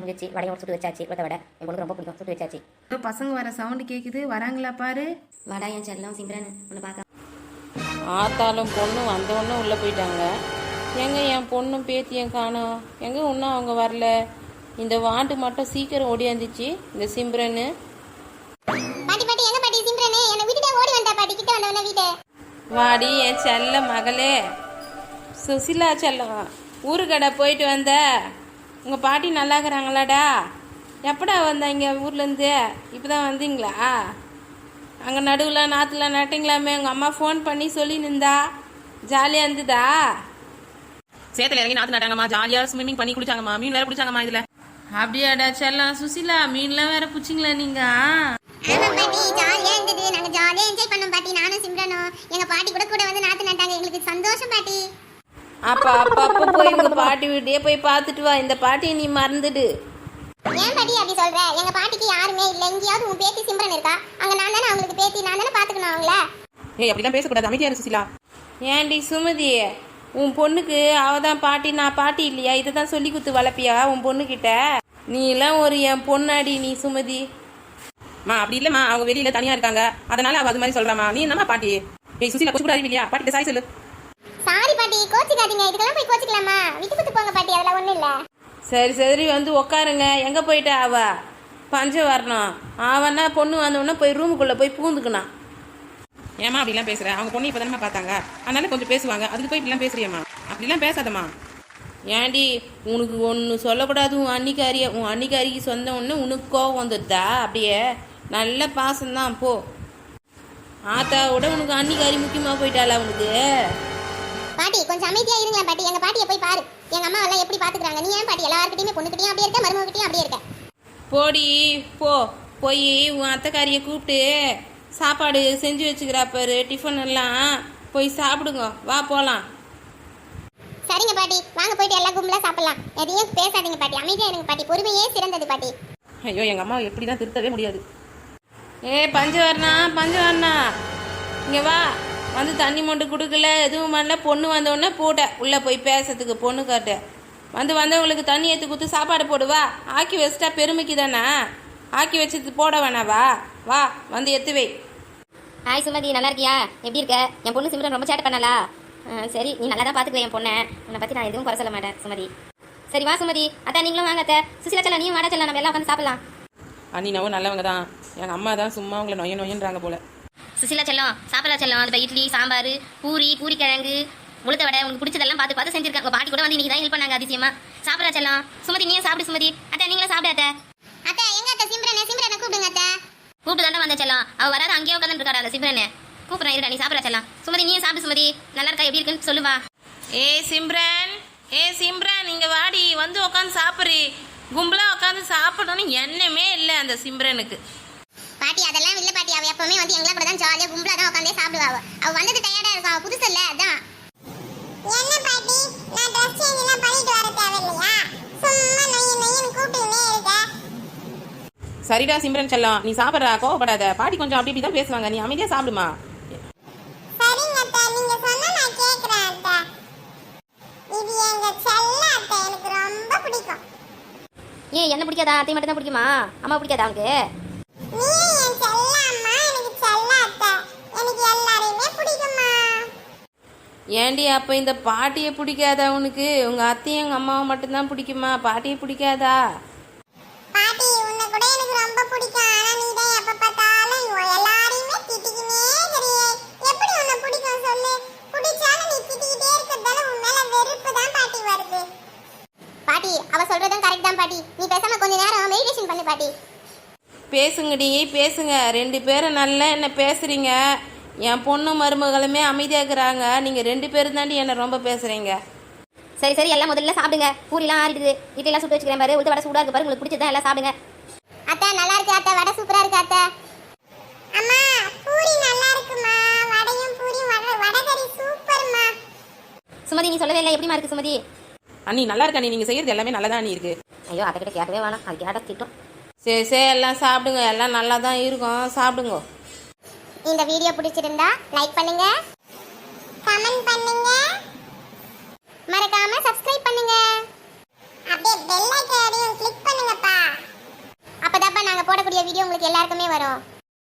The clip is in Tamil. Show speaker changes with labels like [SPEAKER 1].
[SPEAKER 1] வச்சு வடையும் சுட்டு வச்சாச்சு. உளுத்த வடை என் பொண்ணுக்கு ரொம்ப பிடிக்கும், சுட்டு வச்சாச்சு.
[SPEAKER 2] பசங்க வர சவுண்டு கேட்குது, வராங்களா பாரு.
[SPEAKER 1] வடை என் செல்லம் சிம்ரன் ஒன்று பார்க்க.
[SPEAKER 3] ஆத்தாலும் பொண்ணும் வந்தவொன்னே உள்ளே போயிட்டாங்க. எங்கே என் பொண்ணும் பேத்தியும் காணோம், எங்கே இன்னும் அவங்க வரல. இந்த வாண்டு மட்டும் சீக்கிரம் ஓடியாந்துச்சு இந்த சிம்ரனு. வாடி என் செல்ல மகளே சுசிலா செல்லம், ஊருக்கடை போயிட்டு வந்த. உங்கள் பாட்டி நல்லா இருக்கிறாங்களாடா? எப்படா வந்தாங்க ஊர்லேருந்து? இப்போ தான் வந்தீங்களா? அங்கே நடுவில் நாற்றுல நட்டிங்களாமே, உங்கள் அம்மா ஃபோன் பண்ணி சொல்லி நின்றா. ஜாலியாக இருந்துதா?
[SPEAKER 4] சேத்துல இறங்கி நாற்று நட்டாங்கம்மா, ஜாலியாக ஸ்விம்மிங் பண்ணி குளிச்சாங்கம்மா, மீன் வேற பிடிச்சாங்கம்மா. இதில்
[SPEAKER 3] அப்படியாடா செல்லம்? சுசிலா மீன்லாம் வேற பிடிச்சிங்களா நீங்கள்?
[SPEAKER 5] ஜாலியா இருந்தது, நாங்க ஜாலியா என்ஜாய் பண்ணோம் பாட்டி. நானும் சிம்ரனும் எங்க பாட்டி கூட வந்து நாத்து நட்டாங்க. எங்களுக்கு சந்தோஷம் பாட்டி.
[SPEAKER 3] அப்பா போய் உங்க பாட்டி வீட்டையே போய் பார்த்துட்டு வா. இந்த பாட்டியை நீ மறந்துடு.
[SPEAKER 5] ஏன் பாட்டி அப்படி சொல்ற? எங்க பாட்டிக்கு யாருமே இல்ல. எங்கேயாவது உன் பேத்தி சிம்ரன் இருக்கா? அங்க நான் தானே அவங்களுக்கு பேத்தி, நான் தானே பாத்துக்கணும் அவங்கள.
[SPEAKER 4] ஏய் அப்படிலாம் பேசக்கூடாது, அமைதியா இரு சுசிலா.
[SPEAKER 3] ஏன்டி சுமதி, உன் பொண்ணுக்கு அவதான் பாட்டி, நான் பாட்டி இல்லையா? இதை தான் சொல்லி கொடுத்து வளர்ப்பியா உன் பொண்ணுக்கிட்ட? நீ எல்லாம் ஒரு என் பொண்ணாடி நீ சுமதி.
[SPEAKER 4] அப்படி இல்லம்மா, அவங்க வெளியில தனியா இருக்காங்க, அதனால அவ அது மாதிரி சொல்றாமா. நீ என்னமா பாட்டி? ஏய் சுசிலா, கொஞ்சம் கூட அறிவு இல்லையா? பாட்டி சாரி சொல்லு.
[SPEAKER 5] சாரி பாட்டி, கோச்சிக்காதீங்க. இதுக்கெல்லாம் போய் கோச்சிக்கலாமா? விட்டு விட்டு போங்க பாட்டி, அதெல்லாம் ஒண்ணும் இல்ல.
[SPEAKER 3] சரி வந்து உக்காருங்க. எங்க போயிட்டா அவ? பஞ்சம் வரணும். அவனா பொண்ணு வந்தவொடனே போய் ரூமுக்குள்ள போய் பூந்துக்கணும்.
[SPEAKER 4] ஏமா அப்படிலாம் பேசுற? அவங்க பொண்ணு இப்பதானமா பார்த்தாங்க, அதனால கொஞ்சம் பேசுவாங்க. அதுக்கு போய் இப்படிலாம் பேசுறியம்மா? அப்படிலாம் பேசாதம்மா.
[SPEAKER 3] ஏண்டி உனக்கு ஒன்று சொல்லக்கூடாது? உன் அன்னிக்காரிக்கு சொந்த ஒன்று உனக்கு கோவம் வந்துடுதா? அப்படியே நல்ல பாசம்தான். போ, ஆத்தாவோட உனக்கு அன்னிக்காரி முக்கியமாக போயிட்டாளா உனக்கு?
[SPEAKER 5] பாட்டி கொஞ்சம் அமைதியா இருங்களா பாட்டி. எங்க பாட்டியை போய் பாரு, எங்க அம்மா எல்லாம் எப்படி பாத்துக்கிறாங்க. நீ ஏன் பாட்டி எல்லார்கிட்டயுமே பொண்ணுகிட்டயும் அப்படியே இருக்க, மருமகிட்டயும் அப்படியே இருக்க?
[SPEAKER 3] போடி போய் உன் அத்தைக்காரியை கூப்பிட்டு சாப்பாடு செஞ்சு வச்சுக்கிறா பாரு, டிஃபன் எல்லாம் போய் சாப்பிடுங்க. வா போகலாம்.
[SPEAKER 5] சரிங்க பாட்டி, வாங்க போயிட்டு எல்லாம் கும்பலா சாப்பிடலாம். எதையும் பேசாதீங்க பாட்டி, அமைதியா இருங்க பாட்டி. பொறுமையே சிறந்தது பாட்டி.
[SPEAKER 4] ஐயோ எங்க அம்மா எப்படிதான் திருத்தவே முடியாது.
[SPEAKER 3] பஞ்சவர்ணா இங்கே வா. வந்து தண்ணி மொண்டு கொடுக்கல, எதுவும் பண்ணல. பொண்ணு வந்தோடனே போட்ட உள்ளே போய் பேசுறதுக்கு பொண்ணு காட்ட. வந்தவங்களுக்கு தண்ணி ஏற்றி கொடுத்து சாப்பாடு போடுவா. ஆக்கி வச்சிட்டா பெருமைக்கு தானே, ஆக்கி வச்சு போட வேணாவா? வா வந்து எத்து வை.
[SPEAKER 1] ஹாய் சுமதி, நல்லா இருக்கியா? எப்படி இருக்க? என் பொண்ணு சிம்ரன் ரொம்ப சேட்டை பண்ணலா? சரி, நீ நல்லா தான் பார்த்துக்குவேன் என் பொண்ணை. உன்னை பற்றி நான் எதுவும் குறை சொல்ல மாட்டேன் சுமதி. சரி வா சுமதி. அத்தா நீங்களும் வாங்க. அத்தை சுசிலா செல்லம், நீயும் வாடா செல்லம், நம்ம எல்லாம் உட்காந்து சாப்பிடலாம்.
[SPEAKER 4] அண்ணினாவும் நல்லவங்க தான். எங்க அம்மா தான் சும்மா உங்களை நொயன்றாங்க போல.
[SPEAKER 1] சுசிலா செல்லம் சாப்பிடலாம் செல்லம். அது இட்லி சாம்பார் பூரி கிழங்கு உளுத்த வடை உனக்கு பிடிச்சதெல்லாம் பார்த்து செஞ்சிருக்காங்க. பாட்டி கூட வந்து இன்னைக்கு தான் ஹெல்ப் பண்ணாங்க அதிசயமா. சாப்பிடலாம் செல்லம். சுமதி நீயே சாப்பிடு சுமதி. அத்தை நீங்களும் சாப்பிடு.
[SPEAKER 5] அத்தை எங்க அத்தை? சிம்ரனை கூப்பிடுங்க அத்தை.
[SPEAKER 1] கூப்பிட்டு தாண்டா வந்த செல்லம். அவ வராது, அங்கேயே உட்காந்து இருக்காடா அந்த சிம்ரனே. கூப்பிடுறேன் இருடா, நீ சாப்பிடலாம் செல்லம். சுமதி நீயே சாப்பிடு சுமதி. நல்லா இருக்கா, எப்படி இருக்குன்னு சொல்லுவா.
[SPEAKER 3] சிம்ரன் இங்க வாடி, வந்து உட்காந்து சாப்பிட்றி. கும்பலா உட்காந்து சாப்பிடணும்னு எண்ணமே இல்லை அந்த சிம்ரனுக்கு.
[SPEAKER 5] பாட்டி அதெல்லாம் இல்ல பாட்டி. அவ எப்பவுமே வந்து எங்கள கூட தான் ஜாலியா கும்பலா தான் உட்கார்ந்தே சாப்பிடுவா. அவ வந்தது டயர்டா இருக்கா, அவ புதுசு இல்ல அதான். என்ன பாட்டி, நான் ட்ரெஸ் சேஞ்ச் எல்லாம் பண்ணிட்டு வர தேவையில்லையா? சும்மா நொய்யன்னு கூப்பிட்டுனே இருக்க.
[SPEAKER 4] சரிடா சிம்ரன் செல்லம், நீ சாப்பிட்றா, கோவப்படாத. பாட்டி கொஞ்சம் அப்படி தான் பேசுவாங்க, நீ அமைதியா சாப்பிடுமா.
[SPEAKER 5] சரிங்க அத்தை, நீங்க சொன்னா நான் கேக்குறேன் அத்தை. இது எங்க செல்ல அத்தை, எனக்கு ரொம்ப பிடிக்கும்.
[SPEAKER 1] ஏன் என்ன பிடிக்காதா? அத்தை மட்டும் தான் பிடிக்குமா? அம்மா பிடிக்காதா அவனுக்கு?
[SPEAKER 5] நீ என் செல்ல அம்மா, எனக்கு செல்ல அத்தை. எனக்கு எல்லாரையுமே பிடிக்குமா.
[SPEAKER 3] ஏண்டி அப்போ இந்த பாட்டியை பிடிக்காதா உனக்கு? உங்க அத்தையும் எங்க அம்மாவை மட்டும்தான் பிடிக்குமா? பாட்டியை பிடிக்காதா?
[SPEAKER 5] பாட்டி உன்னை கூட எனக்கு ரொம்ப பிடிக்கும். ஆனா நீ தான் எப்ப பார்த்தாலும் எல்லாரையுமே திட்டிக்கினே இருக்கறியே. எப்படி உன்னை பிடிக்கும் சொல்லு? பிடிச்சாலும் நீ திட்டிக்கிட்டே இருக்கறதால உன் மேல வெறுப்பு தான் பாட்டி வருது. பாட்டி அவ சொல்றதும் கரெக்ட் தான் பாட்டி. நீ பேசாம கொஞ்ச நேரம் மெடிடேஷன் பண்ணு பாட்டி.
[SPEAKER 3] பேசுங்கடி பேசுங்க. 2 பேரும் நல்லா என்ன பேசுறீங்க. என் பொண்ணு மருமகளுமே அமைதியாக இருக்கிறாங்க. நீங்கள் 2 பேரும் தாண்டி என்னை ரொம்ப பேசுகிறீங்க.
[SPEAKER 1] சரி எல்லாம் முதல்ல சாப்பிடுங்க. பூரிலாம் ஆறிடுது, இட்லிலாம் சுட்டு வச்சுக்கிறேன் பாரு. உளுத்த வடை சூடாக இருக்கு பாரு, உங்களுக்கு பிடிச்சதான் எல்லாம் சாப்பிடுங்க.
[SPEAKER 5] அத்தை நல்லா இருக்கு அத்தை, வடை சூப்பரா இருக்கு அத்தை. அம்மா பூரி நல்லா இருக்குமா? வடையும் பூரி வடை கறி சூப்பர்மா.
[SPEAKER 1] சுமதி நீ சொல்லவே இல்லை, எப்படிமா இருக்கு சுமதி?
[SPEAKER 4] அண்ணி நல்லா இருக்கா? நீங்க செய்யறது எல்லாமே நல்லதா நீ இருக்கு.
[SPEAKER 1] ஐயோ அத்தை கிட்ட கேட்கவே வேணாம், அது கேட்ட திட்டம்.
[SPEAKER 3] சரி எல்லாம் சாப்பிடுங்க, எல்லாம் நல்லா தான் இருக்கும், சாப்பிடுங்க.
[SPEAKER 5] இந்த வீடியோ பிடிச்சிருந்தா லைக் பண்ணுங்க, கமெண்ட் பண்ணுங்க, மறக்காம சப்ஸ்கிரைப் பண்ணுங்க. அப்படியே பெல் ஐகானையும் கிளிக் பண்ணுங்க. போடக்கூடிய வீடியோ உங்களுக்கு எல்லாருக்குமே வரும்.